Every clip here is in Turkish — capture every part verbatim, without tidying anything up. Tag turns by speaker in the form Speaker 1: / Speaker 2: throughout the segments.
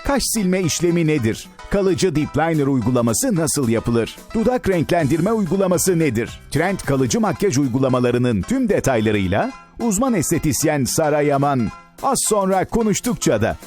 Speaker 1: Kaş silme işlemi nedir? Kalıcı Deep Liner uygulaması nasıl yapılır? Dudak renklendirme uygulaması nedir? Trend kalıcı makyaj uygulamalarının tüm detaylarıyla uzman estetisyen Sara Yaman az sonra Konuştukça da.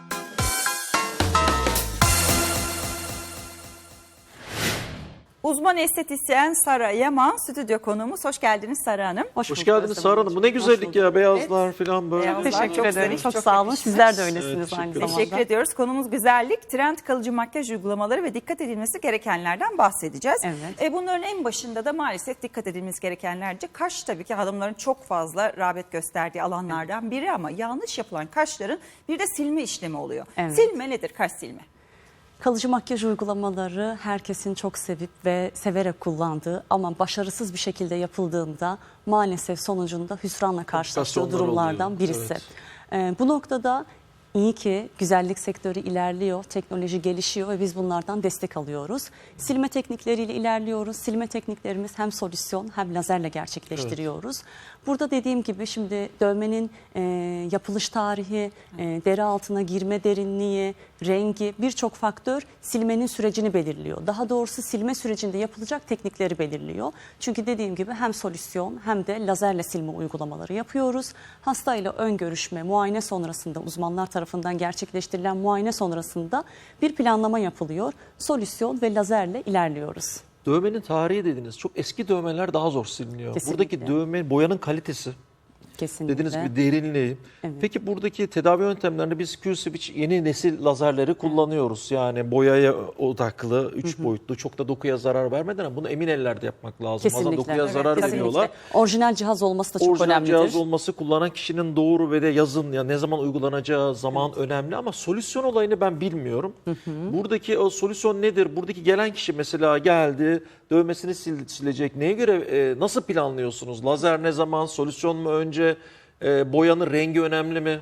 Speaker 2: Uzman estetisyen Sara Yaman stüdyo konuğumuz. Hoş geldiniz Sara Hanım.
Speaker 3: Hoş, Hoş geldiniz Sara Hanım. Bu ne güzellik ya, beyazlar evet. falan böyle.
Speaker 2: Beyazlar,
Speaker 3: Teşekkür
Speaker 2: çok
Speaker 3: ederim.
Speaker 2: zarif,
Speaker 3: Çok,
Speaker 2: çok
Speaker 3: sağ olun.
Speaker 2: yakışmış.
Speaker 3: Sizler de öylesiniz
Speaker 2: evet,
Speaker 3: aynı zamanda.
Speaker 2: Teşekkür ediyoruz. Konumuz güzellik, trend kalıcı makyaj uygulamaları ve dikkat edilmesi gerekenlerden bahsedeceğiz.
Speaker 3: Evet.
Speaker 2: E, bunların en başında da maalesef dikkat edilmesi gerekenlerce kaş, tabii ki hanımların çok fazla rağbet gösterdiği alanlardan biri ama yanlış yapılan kaşların bir de silme işlemi oluyor.
Speaker 3: Evet.
Speaker 2: Silme nedir, kaş silme?
Speaker 3: Kalıcı makyaj uygulamaları herkesin çok sevip ve severek kullandığı ama başarısız bir şekilde yapıldığında maalesef sonucunda hüsranla karşılaştığı durumlardan oluyor. birisi. Evet. Ee, bu noktada iyi ki güzellik sektörü ilerliyor, teknoloji gelişiyor ve biz bunlardan destek alıyoruz. Silme teknikleriyle ilerliyoruz. Silme tekniklerimiz hem solüsyon hem lazerle gerçekleştiriyoruz. Evet. Burada dediğim gibi şimdi dövmenin e, yapılış tarihi, e, deri altına girme derinliği, rengi, birçok faktör silmenin sürecini belirliyor. Daha doğrusu silme sürecinde yapılacak teknikleri belirliyor. Çünkü dediğim gibi hem solüsyon hem de lazerle silme uygulamaları yapıyoruz. Hastayla ön görüşme, muayene sonrasında uzmanlar tarafından gerçekleştirilen muayene sonrasında bir planlama yapılıyor. Solüsyon ve lazerle ilerliyoruz.
Speaker 4: Dövmenin tarihi dediniz. Çok eski dövmeler daha zor siliniyor. Kesinlikle. Buradaki dövme, boyanın kalitesi.
Speaker 3: Kesinlikle.
Speaker 4: Dediğiniz gibi derinliği. Evet. Peki buradaki tedavi yöntemlerinde biz Q-Switch yeni nesil lazerleri kullanıyoruz. Yani boyaya odaklı, üç boyutlu, çok da dokuya zarar vermeden ama bunu emin ellerde yapmak lazım.
Speaker 3: Kesinlikle.
Speaker 4: Bazen dokuya
Speaker 3: evet,
Speaker 4: zarar
Speaker 3: kesinlikle.
Speaker 4: veriyorlar.
Speaker 3: Orijinal cihaz olması da çok
Speaker 4: Orijinal
Speaker 3: önemlidir.
Speaker 4: Orijinal cihaz olması, kullanan kişinin doğru ve de yazın ya ne zaman uygulanacağı zaman evet. önemli ama solüsyon olayını ben bilmiyorum. Hı hı. Buradaki o solüsyon nedir? Buradaki gelen kişi mesela geldi, dövmesini sil, silecek. Neye göre e, nasıl planlıyorsunuz? Lazer ne zaman? Solüsyon mu önce? E, boyanın rengi önemli mi?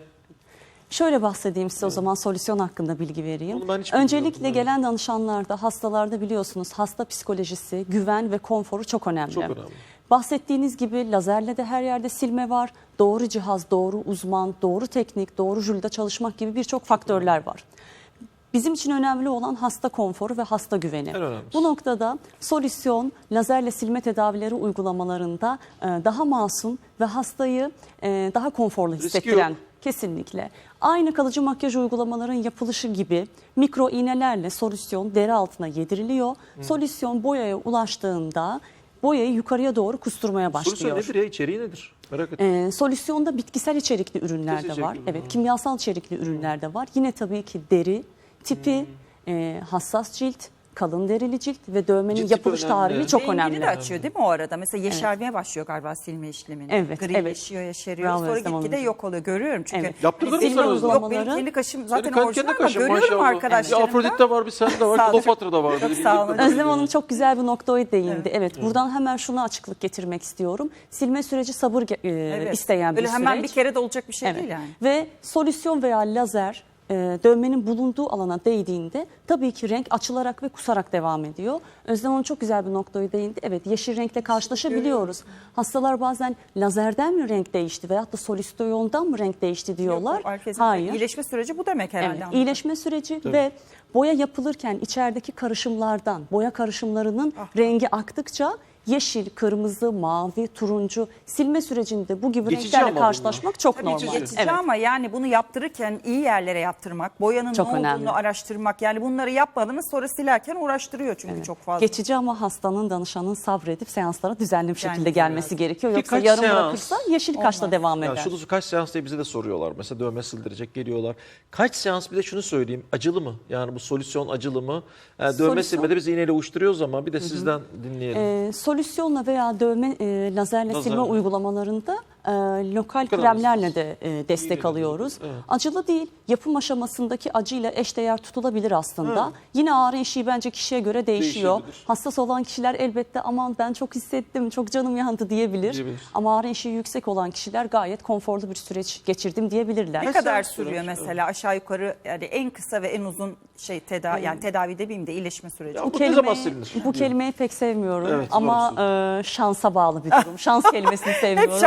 Speaker 3: Şöyle bahsedeyim size, evet. o zaman solüsyon hakkında bilgi vereyim. Öncelikle
Speaker 4: yani.
Speaker 3: gelen danışanlarda, hastalarda biliyorsunuz hasta psikolojisi, güven ve konforu çok önemli.
Speaker 4: Çok önemli.
Speaker 3: Bahsettiğiniz gibi lazerle de her yerde silme var. Doğru cihaz, doğru uzman, doğru teknik, doğru jülde çalışmak gibi birçok faktörler var. Bizim için önemli olan hasta konforu ve hasta güveni. Bu noktada solüsyon, lazerle silme tedavileri uygulamalarında daha masum ve hastayı daha konforlu hissettiren, kesinlikle. Aynı kalıcı makyaj uygulamaların yapılışı gibi mikro iğnelerle solüsyon deri altına yediriliyor. Hmm. Solüsyon boyaya ulaştığında boyayı yukarıya doğru kusturmaya başlıyor.
Speaker 4: Solüsyon nedir ya? İçeriği nedir? Merak ettim.
Speaker 3: Ee, solüsyonda bitkisel içerikli ürünler de var. Evet, kimyasal içerikli ürünler de var. Yine tabii ki deri tipi, hmm. e, hassas cilt, kalın derili cilt ve dövmenin cilt yapılış tarihi çok
Speaker 2: Rengini
Speaker 3: önemli.
Speaker 2: de açıyor değil mi o arada? Mesela yeşermeye evet. başlıyor galiba silme işlemini.
Speaker 3: Evet.
Speaker 2: Grileşiyor, evet. yeşeriyor. Bravo, sonra gitgide yok oluyor. Görüyorum çünkü. Evet.
Speaker 4: Yaptırdın mı
Speaker 2: silme
Speaker 4: uygulamaları?
Speaker 2: Yok, benim kendi kaşım zaten
Speaker 4: kendi
Speaker 2: orijinal ama
Speaker 4: kaşım,
Speaker 2: görüyorum
Speaker 4: maşallah.
Speaker 2: arkadaşlarımda.
Speaker 4: Bir Afrodit'te var, bir sende var, Kleopatra'da var.
Speaker 2: Çok sağ olun.
Speaker 3: Özlem Hanım çok güzel bir noktaya değindi. Evet, evet buradan hemen şuna açıklık getirmek istiyorum. Silme süreci sabır e, evet. isteyen
Speaker 2: Böyle
Speaker 3: bir
Speaker 2: hemen
Speaker 3: süreç.
Speaker 2: bir kere de olacak bir şey
Speaker 3: evet.
Speaker 2: değil yani.
Speaker 3: Ve solüsyon veya lazer dövmenin bulunduğu alana değdiğinde tabii ki renk açılarak ve kusarak devam ediyor. Özlem Hanım çok güzel bir noktaya değindi. Evet, yeşil renkle karşılaşabiliyoruz. Hastalar bazen lazerden mi renk değişti veyahut da solüsyondan mı renk değişti diyorlar.
Speaker 2: Yok,
Speaker 3: hayır.
Speaker 2: İyileşme süreci bu demek herhalde.
Speaker 3: Evet, iyileşme süreci tabii. Ve boya yapılırken içerideki karışımlardan, boya karışımlarının ah. rengi aktıkça yeşil, kırmızı, mavi, turuncu silme sürecinde bu gibi
Speaker 4: geçici
Speaker 3: renklerle karşılaşmak çok
Speaker 2: Tabii
Speaker 3: normal.
Speaker 2: Geçici
Speaker 3: evet.
Speaker 2: ama yani bunu yaptırırken iyi yerlere yaptırmak, boyanın
Speaker 3: çok
Speaker 2: ne
Speaker 3: önemli.
Speaker 2: olduğunu araştırmak, yani bunları yapmadınız sonra silerken uğraştırıyor çünkü evet. çok fazla.
Speaker 3: Geçici ama hastanın, danışanın sabredip seanslara düzenli bir şekilde yani, gelmesi evet. gerekiyor. Yoksa
Speaker 4: Birkaç
Speaker 3: yarım
Speaker 4: seans,
Speaker 3: bırakırsa yeşil kaşla devam eder.
Speaker 4: Ya şunu kaç seans diye bize de soruyorlar. Mesela dövme sildirecek geliyorlar. Kaç seans, bir de şunu söyleyeyim, acılı mı? Yani bu solüsyon acılı mı? Yani dövme solüsyon... silmede biz iğneyle uyuşturuyoruz ama bir de sizden dinleyelim.
Speaker 3: Ee, solüsyonla veya dövme e, lazerle
Speaker 4: Lazer.
Speaker 3: silme uygulamalarında e, lokal kremlerle de e, destek alıyoruz. Evet. Acılı değil, yapım aşamasındaki acıyla eşdeğer tutulabilir aslında. Evet. Yine ağrı eşiği bence kişiye göre değişiyor. Hassas olan kişiler elbette aman ben çok hissettim, çok canım yandı diyebilir. diyebilir. Ama ağrı eşiği yüksek olan kişiler gayet konforlu bir süreç geçirdim diyebilirler.
Speaker 2: Ne kadar sürüyor mesela aşağı yukarı, yani en kısa ve en uzun şey tedavi, yani tedavi demeyeyim de iyileşme süreci?
Speaker 3: Ya bu, bu kelimeyi, bu kelimeyi pek sevmiyorum evet, ama e, şansa bağlı bir durum. Şans kelimesini sevmiyorum.
Speaker 2: Hep şans sizden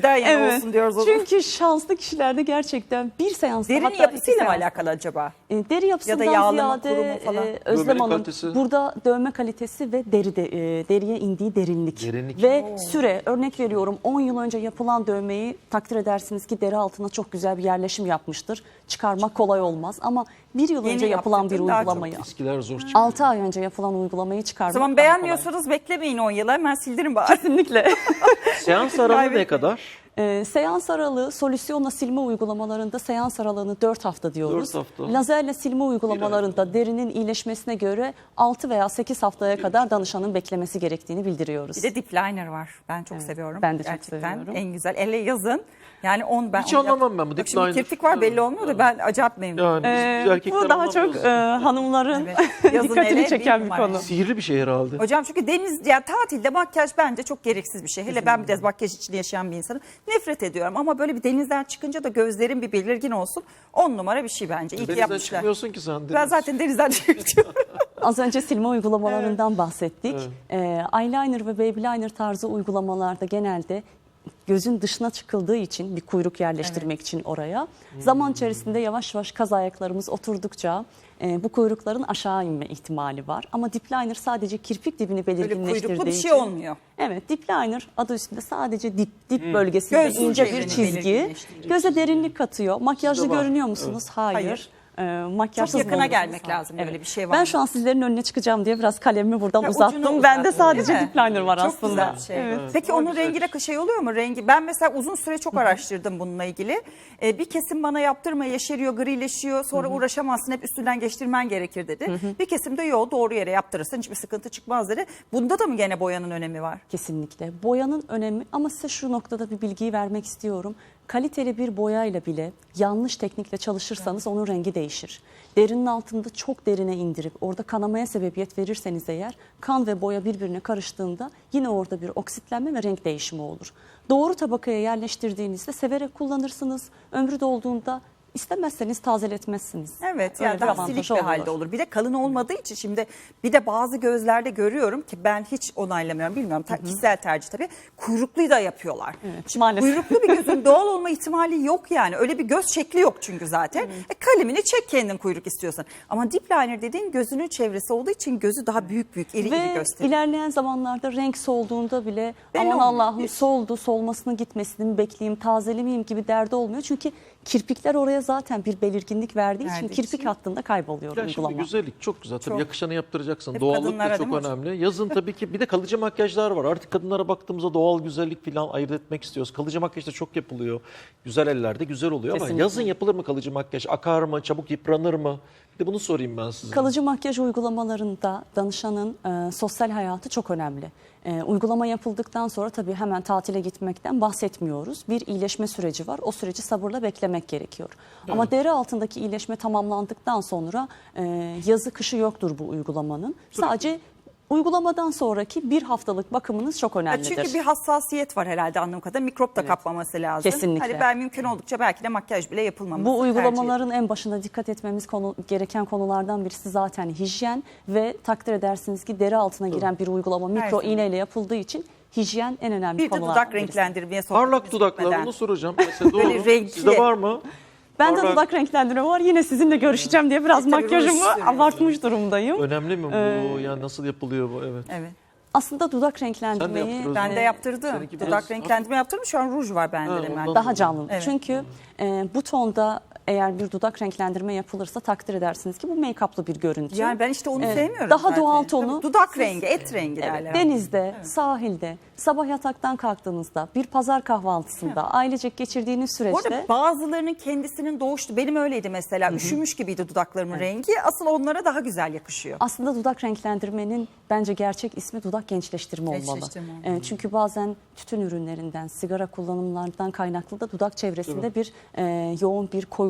Speaker 2: bizden yana
Speaker 3: Evet.
Speaker 2: olsun diyoruz o zaman.
Speaker 3: Çünkü şanslı kişilerde gerçekten bir seansta
Speaker 2: Derinin
Speaker 3: hatta iki
Speaker 2: yapısıyla mı
Speaker 3: seansta-
Speaker 2: alakalı acaba?
Speaker 3: E, Deri yapısından
Speaker 2: Ya da yağlama,
Speaker 3: ziyade
Speaker 2: kurumu falan.
Speaker 3: e, Özlem
Speaker 4: Dövmenin
Speaker 3: Hanım
Speaker 4: kalitesi.
Speaker 3: burada dövme kalitesi ve deri de, e, deriye indiği derinlik,
Speaker 4: Derinlik.
Speaker 3: ve süre, örnek veriyorum on yıl önce yapılan dövmeyi takdir edersiniz ki deri altına çok güzel bir yerleşim yapmıştır. Çıkarmak kolay olmaz ama bir yıl
Speaker 2: Yeni
Speaker 3: önce yapılan bir
Speaker 2: yaptırdın, daha çok
Speaker 3: uygulamayı,
Speaker 4: Eskiler zor çıkıyor.
Speaker 3: altı ay önce yapılan uygulamayı çıkarmak
Speaker 2: O zaman
Speaker 3: daha kolay.
Speaker 2: beğenmiyorsanız beklemeyin on yıla, hemen sildirin bari.
Speaker 3: Kesinlikle.
Speaker 4: Seans aralığı ne
Speaker 2: Kaybetmeyin.
Speaker 4: kadar?
Speaker 3: Ee, seans aralığı solüsyonla silme uygulamalarında seans aralığını dört hafta diyoruz.
Speaker 4: dört hafta.
Speaker 3: Lazerle silme uygulamalarında derinin iyileşmesine göre altı veya sekiz haftaya kadar danışanın beklemesi gerektiğini bildiriyoruz.
Speaker 2: Bir de dip liner var. Ben çok seviyorum.
Speaker 3: ben de çok
Speaker 2: Gerçekten
Speaker 3: seviyorum.
Speaker 2: en güzel. Elle yazın. Yani on ben
Speaker 4: Hiç
Speaker 2: onu yap-
Speaker 4: anlamam ben bu
Speaker 2: Bak
Speaker 4: dip
Speaker 2: şimdi
Speaker 4: liner.
Speaker 2: kirpik var belli olmuyor da ben acayip memnunum.
Speaker 4: Yani biz
Speaker 3: Ee,
Speaker 4: erkekler
Speaker 3: bu daha çok
Speaker 4: anlamıyoruz.
Speaker 3: e, hanımların
Speaker 2: Evet. Yazın hele
Speaker 3: dikkatini
Speaker 2: bir
Speaker 3: çeken bir
Speaker 2: numara.
Speaker 3: konu.
Speaker 4: Sihirli bir şey herhalde.
Speaker 2: Hocam çünkü deniz, yani tatilde makyaj bence çok gereksiz bir şey. Hele ben bir de makyaj içinde yaşayan bir insanım. Nefret ediyorum ama böyle bir denizden çıkınca da gözlerim bir belirgin olsun. On numara bir şey bence. İyi ki
Speaker 4: Denizden
Speaker 2: yapmışlar.
Speaker 4: çıkmıyorsun ki sen.
Speaker 2: Ben
Speaker 4: Deniz.
Speaker 2: zaten denizden çıkıyorum.
Speaker 3: Az önce silme uygulamalarından bahsettik. Ee, eyeliner ve baby liner tarzı uygulamalarda genelde gözün dışına çıkıldığı için bir kuyruk yerleştirmek için oraya zaman içerisinde yavaş yavaş kaz ayaklarımız oturdukça e, bu kuyrukların aşağı inme ihtimali var. Ama dip liner sadece kirpik dibini
Speaker 2: Böyle
Speaker 3: belirginleştirdiği
Speaker 2: kuyruklu bir şey
Speaker 3: için-
Speaker 2: olmuyor.
Speaker 3: Evet, dip liner adı üstünde sadece dip dip bölgesinde
Speaker 2: Göz
Speaker 3: ince bir
Speaker 2: çizgini
Speaker 3: çizgi.
Speaker 2: belirginleştiriyor.
Speaker 3: Göze derinlik katıyor. Makyajlı
Speaker 4: Sizde var.
Speaker 3: görünüyor musunuz? Hayır.
Speaker 2: Hayır.
Speaker 3: Ee, makyajsız
Speaker 2: Çok yakına
Speaker 3: olmanız
Speaker 2: gelmek
Speaker 3: lazım.
Speaker 2: lazım, böyle bir şey var
Speaker 3: Ben
Speaker 2: mı?
Speaker 3: şu an sizlerin önüne çıkacağım diye biraz kalemimi buradan
Speaker 2: Ha, ucunu
Speaker 3: uzattım. Bende
Speaker 2: uzattın,
Speaker 3: sadece
Speaker 2: değil mi?
Speaker 3: dip liner var
Speaker 2: Çok
Speaker 3: aslında.
Speaker 2: güzel bir şey.
Speaker 3: Evet.
Speaker 2: Peki
Speaker 4: O
Speaker 2: onun
Speaker 4: güzel.
Speaker 2: rengi de şey oluyor mu? Rengi ben mesela uzun süre çok araştırdım bununla ilgili. Ee, bir kesim bana yaptırma, yeşeriyor, grileşiyor. Sonra uğraşamazsın, hep üstünden geçtirmen gerekir dedi. Bir kesim de yok, doğru yere yaptırırsın, hiçbir sıkıntı çıkmaz dedi. Bunda da mı gene boyanın önemi var?
Speaker 3: Kesinlikle. Boyanın önemi, ama size şu noktada bir bilgiyi vermek istiyorum. Kaliteli bir boyayla bile yanlış teknikle çalışırsanız onun rengi değişir. Derinin altında çok derine indirip orada kanamaya sebebiyet verirseniz eğer, kan ve boya birbirine karıştığında yine orada bir oksitlenme ve renk değişimi olur. Doğru tabakaya yerleştirdiğinizde severek kullanırsınız. Ömrü dolduğunda İstemezseniz tazeletmezsiniz.
Speaker 2: Evet,
Speaker 3: Öyle
Speaker 2: yani
Speaker 3: bir
Speaker 2: daha
Speaker 3: avantajı
Speaker 2: silik bir halde olur. Bir de kalın olmadığı için şimdi bir de bazı gözlerde görüyorum ki ben hiç onaylamıyorum, bilmiyorum, ta- kişisel tercih tabii. Kuyrukluyu da yapıyorlar.
Speaker 3: Evet,
Speaker 2: Şimdi
Speaker 3: maalesef.
Speaker 2: kuyruklu bir gözün doğal olma ihtimali yok yani. Öyle bir göz şekli yok çünkü zaten. E, kalemini çek kendin kuyruk istiyorsan. Ama dip liner dediğin gözünün çevresi olduğu için gözü daha büyük büyük iri iri
Speaker 3: Ve
Speaker 2: gösteriyor.
Speaker 3: ilerleyen zamanlarda renk solduğunda bile
Speaker 2: Belli
Speaker 3: aman
Speaker 2: olmuyor.
Speaker 3: Allah'ım soldu, solmasını gitmesini mi bekleyeyim, tazelemeyeyim gibi derdi olmuyor. Çünkü kirpikler oraya zaten bir belirginlik verdiği için
Speaker 2: Verdiği
Speaker 3: kirpik
Speaker 2: için.
Speaker 3: hattında kayboluyor
Speaker 4: Ya şimdi
Speaker 3: uygulama.
Speaker 4: güzellik çok güzel. Tabii
Speaker 2: Çok.
Speaker 4: yakışanı yaptıracaksın.
Speaker 2: Hep
Speaker 4: Doğallık
Speaker 2: kadınlara
Speaker 4: da çok
Speaker 2: değil mi hocam?
Speaker 4: önemli. Yazın tabii ki bir de kalıcı makyajlar var. Artık kadınlara baktığımızda doğal güzellik falan ayırt etmek istiyoruz. Kalıcı makyaj da çok yapılıyor. Güzel ellerde güzel oluyor ama
Speaker 3: Kesinlikle.
Speaker 4: yazın yapılır mı kalıcı makyaj? Akar mı? Çabuk yıpranır mı? Bir de bunu sorayım ben size.
Speaker 3: Kalıcı makyaj uygulamalarında danışanın e, sosyal hayatı çok önemli. E, uygulama yapıldıktan sonra tabii hemen tatile gitmekten bahsetmiyoruz. Bir iyileşme süreci var. O süreci sabırla beklemek gerekiyor. Ama deri altındaki iyileşme tamamlandıktan sonra e, yazı kışı yoktur bu uygulamanın. Sadece uygulamadan sonraki bir haftalık bakımınız çok
Speaker 2: Ya
Speaker 3: önemlidir.
Speaker 2: çünkü bir hassasiyet var herhalde anladığım kadarıyla. Mikrop da kapmaması lazım.
Speaker 3: Kesinlikle.
Speaker 2: Hani ben mümkün oldukça belki de makyaj bile yapılmaması
Speaker 3: Bu
Speaker 2: tercih
Speaker 3: uygulamaların en başında dikkat etmemiz konu, gereken konulardan birisi zaten hijyen ve takdir edersiniz ki deri altına giren bir uygulama mikro
Speaker 2: zaman.
Speaker 3: iğneyle yapıldığı için hijyen en önemli
Speaker 2: Bir de
Speaker 3: konulardan
Speaker 2: dudak
Speaker 3: birisi.
Speaker 2: renklendirmeye
Speaker 4: Parlak
Speaker 2: sohbetimiz
Speaker 4: dudaklar
Speaker 2: bitmeden.
Speaker 4: onu soracağım. Mesela doğru.
Speaker 2: Böyle renkli.
Speaker 4: Sizde var mı?
Speaker 3: Ben de
Speaker 4: Parlak-
Speaker 3: dudak renklendirme var. Yine sizinle görüşeceğim diye biraz
Speaker 2: E, tabii
Speaker 3: makyajımı
Speaker 2: ruj sürüyorsun.
Speaker 3: abartmış durumdayım.
Speaker 4: Önemli mi bu?
Speaker 3: Ee,
Speaker 4: Yani nasıl yapılıyor bu? Evet.
Speaker 2: Evet.
Speaker 3: Aslında dudak
Speaker 4: Sen de
Speaker 3: renklendirmeyi
Speaker 4: yaptırıyorsun.
Speaker 2: Ben de yaptırdım.
Speaker 4: Seninki
Speaker 2: Dudak
Speaker 4: biraz-
Speaker 2: renklendirme yaptırdım. Şu an ruj var bende
Speaker 4: Ha,
Speaker 2: de hemen.
Speaker 4: ondan-
Speaker 3: daha canlı.
Speaker 2: Evet.
Speaker 3: Çünkü e, bu tonda eğer bir dudak renklendirme yapılırsa takdir edersiniz ki bu make-up'lı bir görüntü.
Speaker 2: Yani ben işte onu
Speaker 3: Evet.
Speaker 2: sevmiyorum
Speaker 3: Daha
Speaker 2: zaten.
Speaker 3: doğal tonu.
Speaker 2: Tabii dudak
Speaker 3: Siz-
Speaker 2: rengi, et rengi
Speaker 3: Evet,
Speaker 2: derler.
Speaker 3: denizde, sahilde, sabah yataktan kalktığınızda, bir pazar kahvaltısında, ailecek geçirdiğiniz
Speaker 2: Bu arada
Speaker 3: süreçte
Speaker 2: bazılarının kendisinin doğuştu. Benim öyleydi mesela. Üşümüş gibiydi dudaklarımın rengi. Asıl onlara daha güzel yakışıyor.
Speaker 3: aslında dudak renklendirmenin bence gerçek ismi dudak gençleştirme olmalı.
Speaker 2: Gençleştirme olmalı.
Speaker 3: E, çünkü bazen tütün ürünlerinden, sigara kullanımlarından kaynaklı da dudak çevresinde bir e, yoğun bir koyuluk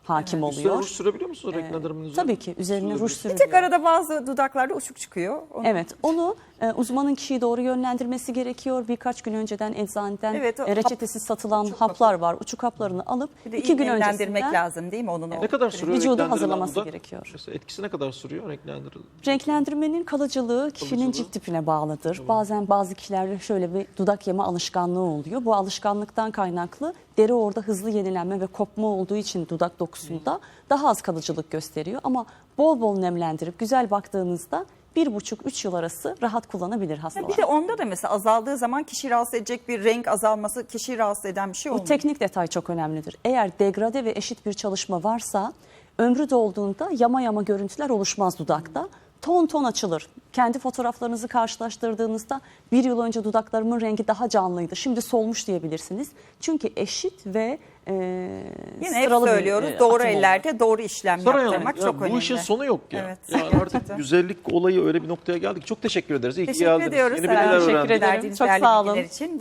Speaker 3: hakim
Speaker 4: Üstüne
Speaker 3: oluyor.
Speaker 4: ruj sürebiliyor musunuz renklendirmenin üzerine?
Speaker 3: Tabii ki üzerine ruj
Speaker 2: Bir
Speaker 3: sürülüyor.
Speaker 2: tek arada bazı dudaklarda uçuk çıkıyor. Onu-
Speaker 3: Evet, onu e, uzmanın kişiyi doğru yönlendirmesi gerekiyor. Birkaç gün önceden eczaneden
Speaker 2: Evet, o
Speaker 3: e, reçetesiz satılan
Speaker 2: uçuk
Speaker 3: haplar var. Uçuk haplarını alıp
Speaker 2: Bir de
Speaker 3: iki gün
Speaker 2: nemlendirmek
Speaker 3: öncesinden
Speaker 2: lazım değil mi onun? o-
Speaker 4: Ne kadar sürüyor
Speaker 3: vücudu
Speaker 4: renklendirilen
Speaker 3: hazırlaması
Speaker 4: dudak?
Speaker 3: gerekiyor.
Speaker 4: Mesela etkisi ne kadar sürüyor renklendirilen?
Speaker 3: Renklendirmenin kalıcılığı kişinin
Speaker 4: Kalıcılığı.
Speaker 3: cilt tipine bağlıdır. Bazen bazı kişilerde şöyle bir dudak yeme alışkanlığı oluyor. Bu alışkanlıktan kaynaklı deri orada hızlı yenilenme ve kopma olduğu için dudak dokusunda daha az kalıcılık gösteriyor. Ama bol bol nemlendirip güzel baktığınızda bir buçuk üç yıl arası rahat kullanabilir hastalar.
Speaker 2: Bir de onda da mesela azaldığı zaman kişi rahatsız edecek bir renk azalması kişiyi rahatsız eden bir şey
Speaker 3: Bu
Speaker 2: olmuyor.
Speaker 3: teknik detay çok önemlidir. Eğer degrade ve eşit bir çalışma varsa ömrü dolduğunda yama yama görüntüler oluşmaz dudakta. Ton ton açılır. Kendi fotoğraflarınızı karşılaştırdığınızda bir yıl önce dudaklarımın rengi daha canlıydı. Şimdi solmuş diyebilirsiniz. Çünkü eşit ve e,
Speaker 2: Yine hep
Speaker 3: sıralı bir,
Speaker 2: söylüyoruz
Speaker 3: e,
Speaker 2: doğru
Speaker 3: atım oluyor.
Speaker 2: ellerde doğru işlem
Speaker 4: Saray Hanım,
Speaker 2: yaptırmak
Speaker 4: ya
Speaker 2: çok
Speaker 4: bu
Speaker 2: önemli.
Speaker 4: işin sonu yok ya.
Speaker 2: Evet.
Speaker 4: Yani artık güzellik olayı öyle bir noktaya geldik. Çok teşekkür ederiz. İyi ki
Speaker 2: Teşekkür
Speaker 4: geldiniz.
Speaker 2: ediyoruz.
Speaker 4: Yeni
Speaker 2: Selam.
Speaker 4: bilgiler
Speaker 3: Teşekkür
Speaker 4: öğrendik.
Speaker 3: ederim.
Speaker 2: Verdiğiniz
Speaker 3: Çok
Speaker 2: değerli
Speaker 3: sağ olun.
Speaker 2: bilgiler için.